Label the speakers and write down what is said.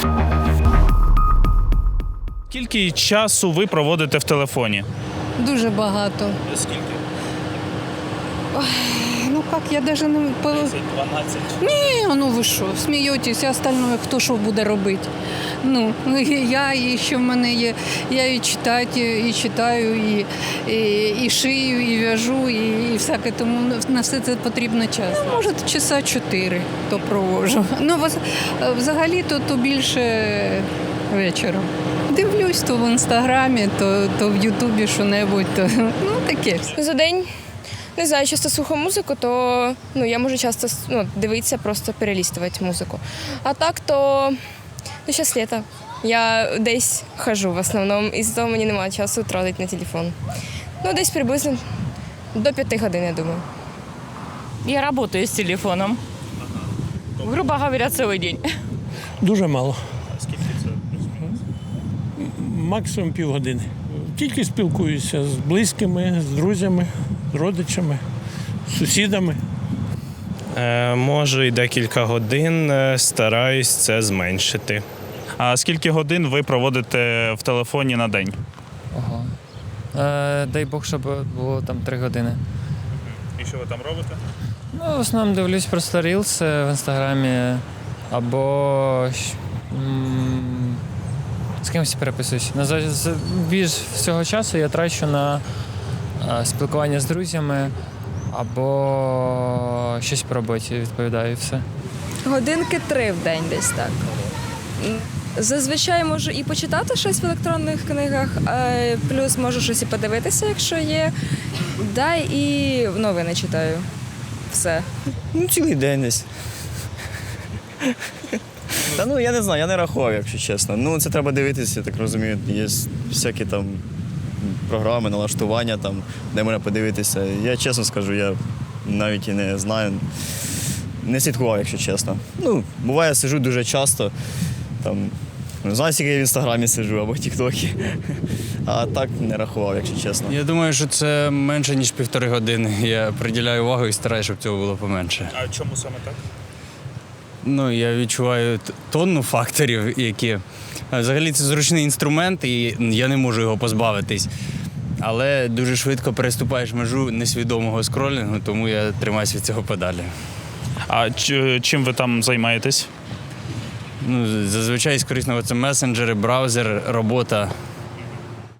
Speaker 1: Скільки часу ви проводите в телефоні?
Speaker 2: Дуже багато.
Speaker 1: Скільки?
Speaker 2: Ну как, я даже не...
Speaker 1: 12?
Speaker 2: Ні, ну ви що, смієтесь, а остальное хто що буде робити? Ну, я і що в мене є, я і читаю, і шию, і в'яжу, і всяке, тому на все це потрібно час. Ну, може, часа 4 то проводжу. Ну, взагалі-то більше вечором. Дивлюсь то в Інстаграмі, то в Ютубі що-небудь, то ну таке.
Speaker 3: За день, не знаю, часто слухаю музику, то я можу часто дивитися, просто перелістувати музику. А так, то зараз літо. Я десь хожу в основному, і з того мені немає часу тратити на телефон. Десь приблизно до 5 годин, я думаю.
Speaker 4: Я работаю с телефоном. Грубо говоря, целый день.
Speaker 5: Дуже мало.
Speaker 1: А скільки це?
Speaker 5: Максимум півгодини. Тільки спілкуюся з близькими, з друзями, з родичами, з сусідами.
Speaker 6: Може, і декілька годин, стараюсь це зменшити.
Speaker 1: А скільки годин ви проводите в телефоні на день?
Speaker 7: Ого. Дай Бог, щоб було там 3 години.
Speaker 1: І що ви там робите?
Speaker 7: Ну, в основному дивлюсь просто рілс в інстаграмі або з кимось переписуюсь. Більш всього часу я трачу на спілкування з друзями або щось по роботі відповідаю і все.
Speaker 8: Годинки 3 в день десь так. Зазвичай можу і почитати щось в електронних книгах, плюс можу щось і подивитися, якщо є. Да, і новини читаю. Все.
Speaker 9: Цілий день десь. Та я не знаю, я не рахував, якщо чесно. Це треба дивитися, я так розумію. Є всякі там програми, налаштування, там, де можна подивитися. Я чесно скажу, я навіть і не знаю. Не слідкував, якщо чесно. Буває, сиджу дуже часто. Там, не знаю, скільки я в інстаграмі сиджу або в Тік-Токі. А так не рахував, якщо чесно.
Speaker 10: Я думаю, що це менше, ніж 1,5 години. Я приділяю увагу і стараюся, щоб цього було поменше.
Speaker 1: А чому саме так?
Speaker 10: Я відчуваю тонну факторів, які... Взагалі це зручний інструмент, і я не можу його позбавитись. Але дуже швидко переступаєш межу несвідомого скролінгу, тому я тримаюся від цього подалі.
Speaker 1: А чим ви там займаєтесь?
Speaker 10: Зазвичай з корисного це месенджери, браузер, робота.